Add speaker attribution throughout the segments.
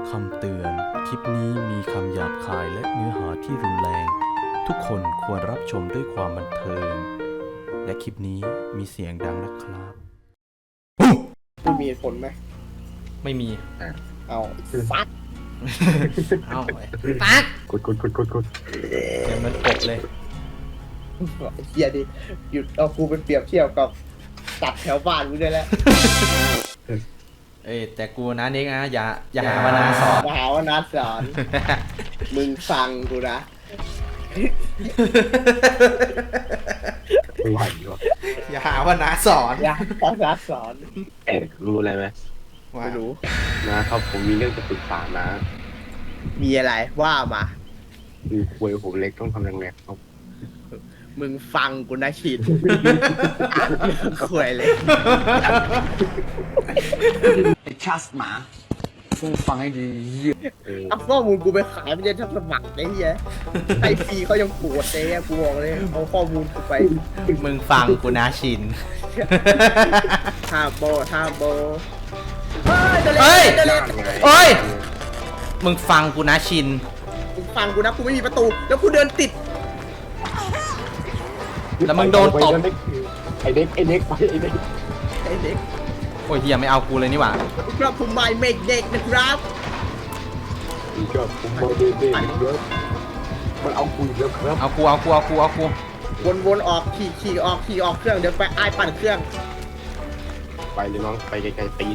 Speaker 1: คำเตือน คลิปนี้มีคำหยาบคายและเนื้อหาที่รุนแรง ทุกคนควรรับชมด้วยความบันเทิง และคลิปนี้มีเสียงดังนะครับ
Speaker 2: คุณมีเหตุผลไหม
Speaker 3: ไม่มี
Speaker 2: เอาฟัด
Speaker 3: เอ้าปัก
Speaker 4: กด
Speaker 3: เสียงมันกบเลย
Speaker 2: เฮียดิหยุดเอากูไปเปรียบเทียบกับตัดแถวบ้านกูได้แล้ว
Speaker 3: เอ้ยแต่กูนะเน็กนะอย่าหาว่านาสอน
Speaker 2: มาหาว่านัดสอน มึงฟังกูนะ
Speaker 4: ไม่ไหวหรอก
Speaker 3: อย่าหาว่านาสอน
Speaker 2: อย่าพอนัดสอน
Speaker 4: รู้อะไรไหม
Speaker 3: ว่า
Speaker 2: ไม่รู้
Speaker 4: นะครับผมมีเรื่องจะปรึกษานะ
Speaker 2: มีอะไรว่ามา
Speaker 4: คือควยผมเล็กต้องทำยังไงครับ
Speaker 2: มึงฟังกูนะชินคุยเลย
Speaker 5: ไอ้ชัสหมามึงฟังให้ดี
Speaker 2: เอาข้อมูลกูไปขายไม่ได้ทับสมัครไอ้เหี้ยไอฟรีเขายังปวดเลยอะกูบอกเลยเอาข้อมูลกูไป
Speaker 3: มึงฟังกูนะชิน
Speaker 2: ท่าโบเฮ้ยเดล
Speaker 3: เฮ้ย
Speaker 2: เดล
Speaker 3: เอ้ย มึงฟังกูนะชิน
Speaker 2: มึงฟังกูนะกูไม่มีประตูแล้วกูเดินติด
Speaker 3: แล้วมึงโดนตบ
Speaker 4: ไอเด็กไปไอเด็ก
Speaker 2: ไอ้เด็ก
Speaker 3: โอ้ยเฮียไม่เอากูเลยนี่หว่า
Speaker 2: ครับผมไม่เมกเด็กนะครับ
Speaker 4: นี่ก็ผมบอกเด็กครับมันเอาคุยแล้วครับ
Speaker 3: เอากู
Speaker 2: วนออกขี่ออกเครื่องเดี๋ยวไปไอ้ปั่นเครื่อง
Speaker 4: ไปเลยน้องไปไกลๆตีน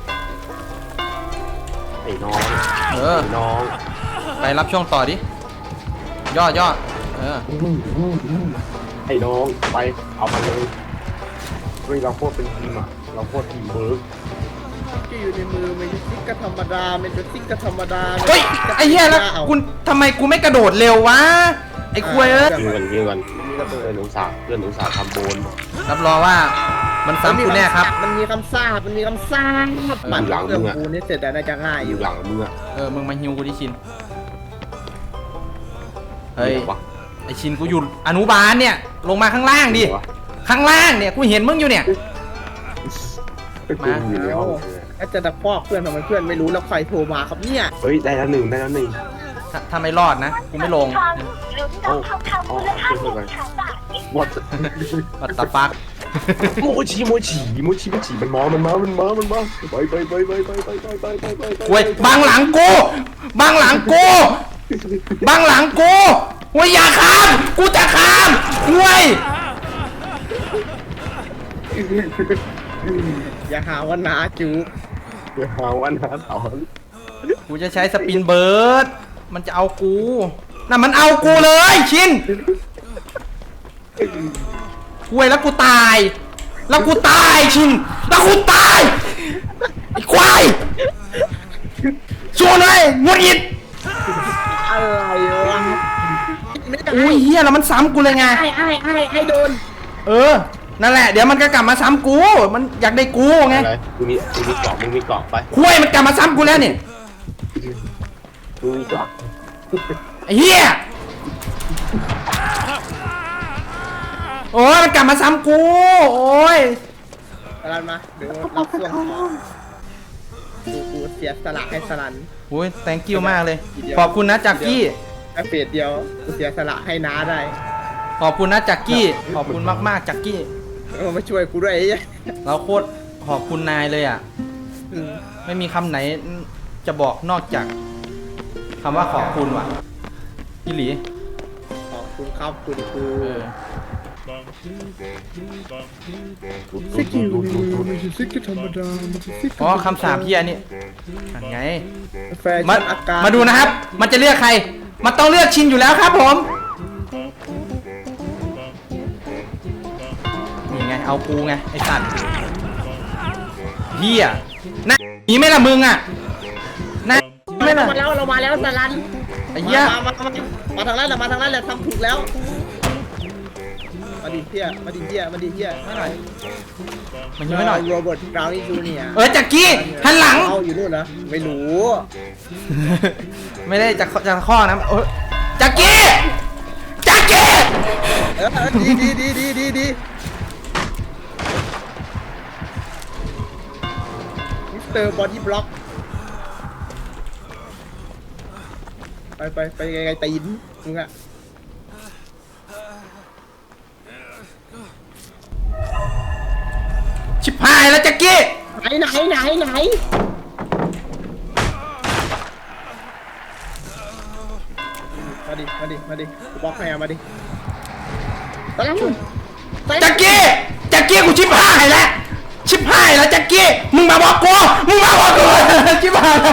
Speaker 4: ไอ้น้อง
Speaker 3: เออ
Speaker 4: ไอ้น้อง
Speaker 3: ไปรับช่วงต่อดิ ย่อเออ
Speaker 4: ไอ้น้องไปเอามาเลยเฮ้ยเราโคตรเป็นทีมอ่ะเราโคตรทีมเบิร์ก
Speaker 2: ที่อยู่ในมือมันจะซิกก็ธรรมดามันจะซิกก็ธรรมดา
Speaker 3: เฮ้ย ไอ้เหี้ยแล้วกูทำไมกูไม่กระโดดเร็ววะ ไอ้ควยเอ้ย
Speaker 4: เงินเพื่อนอุตส่าห์ทำโบน
Speaker 3: รับรองว่ามันซ้ำกูแน่ครับ
Speaker 2: มันมีคำซ่าปั่นเครื่องกูนี่เสร็จแต่น่าจะง่าย
Speaker 4: อ
Speaker 2: อยู่
Speaker 4: ยู่หลังมึงอ่ะ
Speaker 3: มึงมาฮิวกูที่ชิน เฮ้ย ไอชินกูอยู่อนุบาลเนี่ย ลงมาข้างล่างดิ ข้างล่างเนี่ยกูเห็นมึงอยู่เนี่ย
Speaker 4: มาอยู่แล้ว
Speaker 2: ถ้าจะตะคอกเพื่อนทำไมเพื่อนไม่รู้แล้วใครโทรมาครับเนี่ย
Speaker 4: เฮ้ยได้แล้วหนึ่ง
Speaker 3: ถ้าไม่รอดนะ กูไม่ลง
Speaker 4: โอ้ช่วยกันวัด
Speaker 3: วัตตาฟัก
Speaker 4: โมชิมันมาไป
Speaker 3: เว้ยบังหลังกูเว้ยอย่าข้าม กูจะข้ามเว้ย
Speaker 2: อย่าหาว่านาจูบ
Speaker 4: เดี๋ยวหาวันหาสอน
Speaker 3: กูจะใช้สปินเบิร์ด มันจะเอากูน่ะมันเอากูเลยชินเว้ยแล้วกูตายชินแล้วกูตายไอ้ควายสู้หน่อยงดหงิด
Speaker 2: อะไรวะไม่ได้
Speaker 3: อุ้ยเฮียแล้วมันซ้ำกูเลยไง
Speaker 2: ไอ้โดน
Speaker 3: นั่นแหละเดี๋ยวมันก็กลับมาซ้ำกู มันอยากได้กูไง
Speaker 4: อะไรมึงมีเกาะไป
Speaker 3: คุยมันกลับมาซ้ำกูแล้วเนี่ย
Speaker 4: มึงมีเกาะ
Speaker 3: ไอ้เฮียโอ้ยมันกลับมาซ้ำกูโอ้ย
Speaker 2: สลันมาเดี๋ยวรับช่วงกูเสียสละให้สลัน
Speaker 3: โอ้ย thank you มากเลย ขอบคุณนะจักกี้
Speaker 2: แค่เฟสเดียวกูเสียสละให้น้าได้
Speaker 3: ขอบคุณนะจักกี้ขอบคุณมากๆจักกี้
Speaker 2: มาช่วยกูด้วยไอ้เหี้ย
Speaker 3: เราโคตรขอบคุณนายเลยอ่ะ ไม่มีคำไหนจะบอกนอกจากคำว่าขอบคุณว่ะพี่หลี
Speaker 2: ขอบคุณครับคุณครู
Speaker 4: ซิกดู
Speaker 2: ซิกธรรมดามันจะซิก
Speaker 3: อ๋อคำสาปเฮียนี่นั่นไง
Speaker 2: แฟชั่
Speaker 3: มาน
Speaker 2: อาการ
Speaker 3: มาดูนะครับ มันจะเลือกใคร มันต้องเลือกชินอยู่แล้วครับผม นี่ไง เอากูไง ไอ้สัตว์เฮียนะหนีไหม่ละมึงอ่ะนะไม่ละ
Speaker 2: เรามาแล้วสลัน
Speaker 3: ไอ้เหี้ย
Speaker 2: มาทางนั้นแหละทำถูกแล้วมาดิเฮียไม่หน่อย
Speaker 3: มันยิงไม่หน่อย
Speaker 2: โรเบิร์ตบราวนี่จูเนียร์
Speaker 3: จักกี้หันหลัง
Speaker 2: เอาอยู่นู่นนะไม่รู้
Speaker 3: ไม่ได้จะข้อนะจักกี้
Speaker 2: ดีมิสเตอร์บอดี้บล็อกไปไงตีนมึงอะ
Speaker 3: ชิบหายแล้วแจ็คกี้
Speaker 2: ไหนมาดิกูบล็อกให้มาดิตะลัง
Speaker 3: แจ็คกี้กูชิบหายแล้วแจ็คกี้มึงมาบอกกูชิบหาย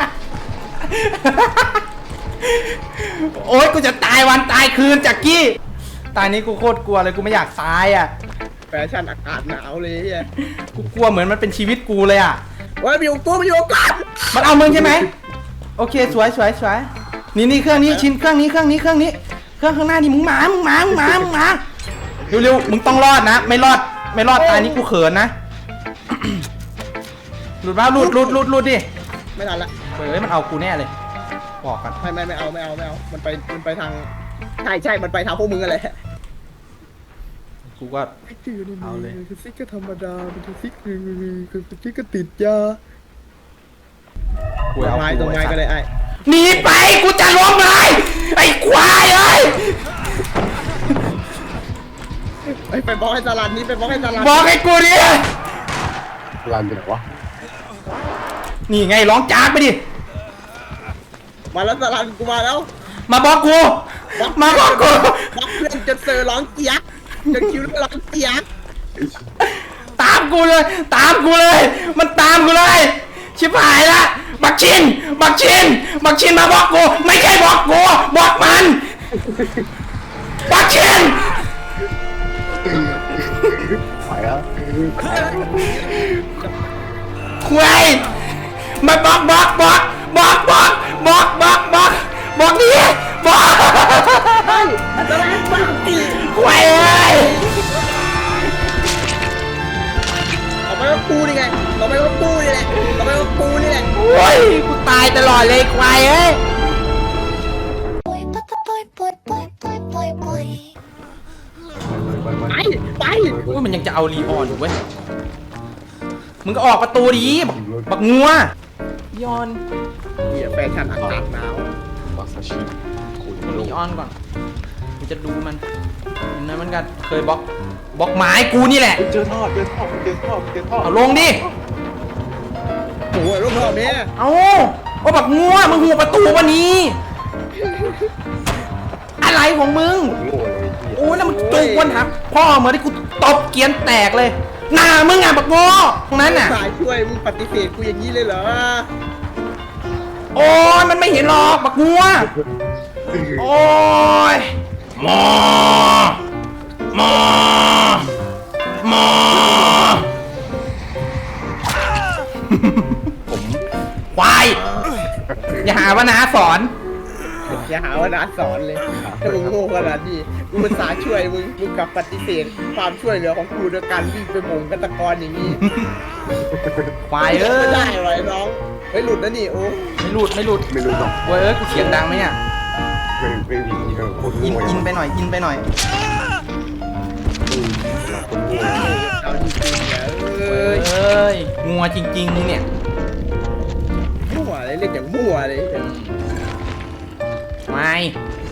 Speaker 3: โอ๊ยกูจะตายวันตายคืนแจ็คกี้ตายนี้กูโคตรกลัวเลยกูไม่อยากตายอ่ะ
Speaker 2: แฟชั่นอากาศหนาวเลยไอ้
Speaker 3: กูกลัวเหมือนมันเป็นชีวิตกูเลยอ่ะ
Speaker 2: ว่ามีอยู่ตัวกัน
Speaker 3: มันเอามึงใช่ไหมโอเคสวยนี่เครื่องนี้ชิ้นเครื่องนี้เครื่องข้างหน้านี่มึงมาเร็วมึงต้องรอดนะไม่รอดตายนี้กูเขินนะ หลุดมาหลุดดิ
Speaker 2: ไม่ทันละ
Speaker 3: เฮ้ยมันเอากูแน่เลยบอกกัน
Speaker 2: ไม่เอามันไปทางใช่มันไปทางพวกมึงอะไร
Speaker 3: กูก็ เอาเลย
Speaker 2: คือซิกก็ธรรมดาเป็นซิกคือซิกก็ติดยา
Speaker 3: กูเอา
Speaker 2: ตรงไม้ก็เลยไอ้
Speaker 3: หนีไปกูจะล้มเลยไอ้ควายเอ้ย
Speaker 2: ไปบล็อกให้สลันนี่ไปบล็อกให้สลัน
Speaker 3: บอกให้กูดิ
Speaker 4: รันไปไหนวะ
Speaker 3: นี่ไงร้องจากไปดิ
Speaker 2: มาแล้วสลันกูมาแล้ว
Speaker 3: มาบอกกู
Speaker 2: บล็อกเพื่อนจนเซอร์ร้องเจี๊ยกจนคิวร้องเจี๊ยก
Speaker 3: ตามกูเลยมันตามกูเลยชิบหายละบักชินมาบอกกูไม่ใช่บอกกูบอกมันบักชิน
Speaker 4: ไปแล้ว
Speaker 3: คุยมาบอกดิบอก
Speaker 2: เฮ้ยสลันบ้าตี
Speaker 3: คุยเอ้ย
Speaker 2: ต่อไปก็กูนี่แหละ
Speaker 3: โอ้ยกูตายตลอดเลยควายเอ้ย
Speaker 2: ไป
Speaker 3: อุ้ยมันยังจะเอาลีออนอยู่เว้ยมึงก็ออกประตูดิบักงัวลีออน
Speaker 2: เหี้ยแฟชั่นอากาศหนาว
Speaker 4: มาซาชิคุยมาล
Speaker 3: ลี
Speaker 4: ง
Speaker 3: ออนก่อนกูจะดูมันเห็นไหมมันก็เคยบล็อกไม้กูนี่แหละ
Speaker 4: เจอท่อ
Speaker 3: เอาลงดิ
Speaker 2: โอ้ยรูปรอบนี้
Speaker 3: เอาว่าบักงัวมึงหัวประตูวันนี้ อะไรของมึง
Speaker 4: โง่เลย
Speaker 3: โอ้ยแล้วมึงจูกวนหักพ่อเหมือนที่กูตบเกียนแตกเลยหน้ามึงอ่ะบักงัวตรงนั้นน่ะ
Speaker 2: สายช่วยมึงปฏิเสธกูอย่างนี้เลยเหรอ
Speaker 3: โอ้ยมันไม่เห็นหรอกบักงัวโอ้ยหมอผมควายอย่าหาว่านาสอน
Speaker 2: อย่าหาว่านัดสอนเลยถ้ามึงโง่ขนาดนี้กูภาษาห์ช่วยมึงกลับปฏิเสธความช่วยเหลือของกูด้วยการวิ่งไปหม่งกันตะกอนอย่างนี้
Speaker 3: ควายเอ้
Speaker 2: ไม่
Speaker 3: ย
Speaker 2: ได้ไว้น้องเฮ้ยหลุดนะนี่โอ้
Speaker 3: ไม่หลุด
Speaker 4: ไม่รู้หรอก
Speaker 3: เว้ยเอ้ยกูเสียงดังไหมเนี่ย
Speaker 4: ไม่ดีคน
Speaker 3: อิน
Speaker 4: โง่
Speaker 3: อินไปหน่อย
Speaker 4: คนโง่
Speaker 2: เอาจริงๆเนี่ย
Speaker 3: เอ้ยงัวจริงๆมึงเนี่ย
Speaker 2: มั่วเลยเล่นอย่างมั่วเลย
Speaker 3: ไม่